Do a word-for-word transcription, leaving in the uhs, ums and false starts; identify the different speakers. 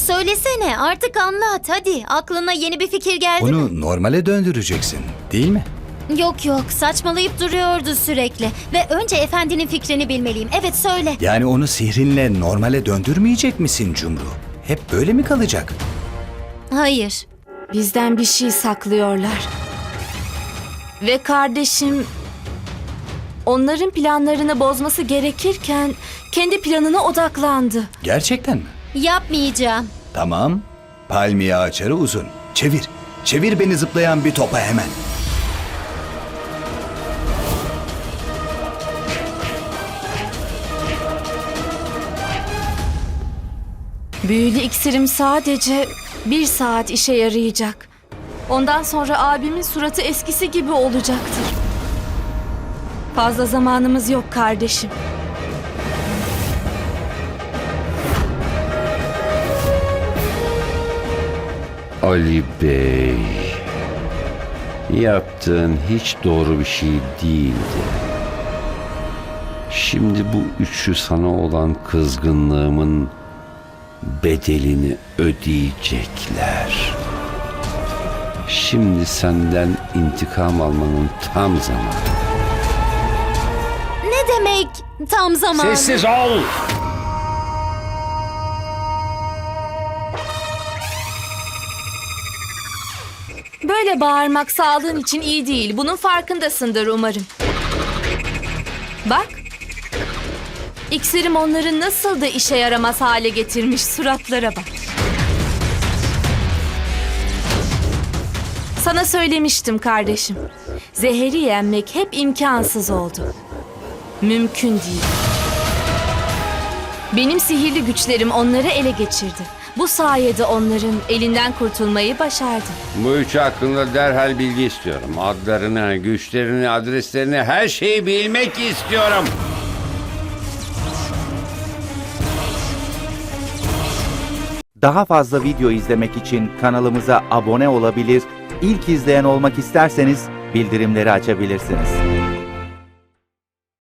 Speaker 1: söylesene, artık anlat hadi. Aklına yeni bir fikir geldi mi?
Speaker 2: Onu normale döndüreceksin, değil mi?
Speaker 1: Yok yok, saçmalayıp duruyordu sürekli. Ve önce efendinin fikrini bilmeliyim. Evet, söyle.
Speaker 2: Yani onu sihrinle normale döndürmeyecek misin Cumru? Hep böyle mi kalacak?
Speaker 1: Hayır.
Speaker 3: Bizden bir şey saklıyorlar. Ve kardeşim onların planlarını bozması gerekirken kendi planına odaklandı.
Speaker 2: Gerçekten mi?
Speaker 1: Yapmayacağım.
Speaker 2: Tamam. Palmiye açarı uzun. Çevir. Çevir beni zıplayan bir topa hemen.
Speaker 3: Büyülü iksirim sadece bir saat işe yarayacak. Ondan sonra abimin suratı eskisi gibi olacaktır. Fazla zamanımız yok kardeşim.
Speaker 4: Ali Bey, yaptığın hiç doğru bir şey değildi. Şimdi bu üçü sana olan kızgınlığımın bedelini ödeyecekler. Şimdi senden intikam almanın tam zamanı.
Speaker 1: Ne demek tam zamanı?
Speaker 4: Sessiz ol!
Speaker 3: Böyle bağırmak sağlığın için iyi değil. Bunun farkındasındır umarım. Bak. İksirim onları nasıl da işe yaramaz hale getirmiş, suratlara bak. Sana söylemiştim kardeşim. Zehri yenmek hep imkansız oldu. Mümkün değil. Benim sihirli güçlerim onları ele geçirdi. Bu sayede onların elinden kurtulmayı başardım.
Speaker 4: Bu üçü hakkında derhal bilgi istiyorum. Adlarını, güçlerini, adreslerini, her şeyi bilmek istiyorum.
Speaker 5: Daha fazla video izlemek için kanalımıza abone olabilir, ilk izleyen olmak isterseniz bildirimleri açabilirsiniz.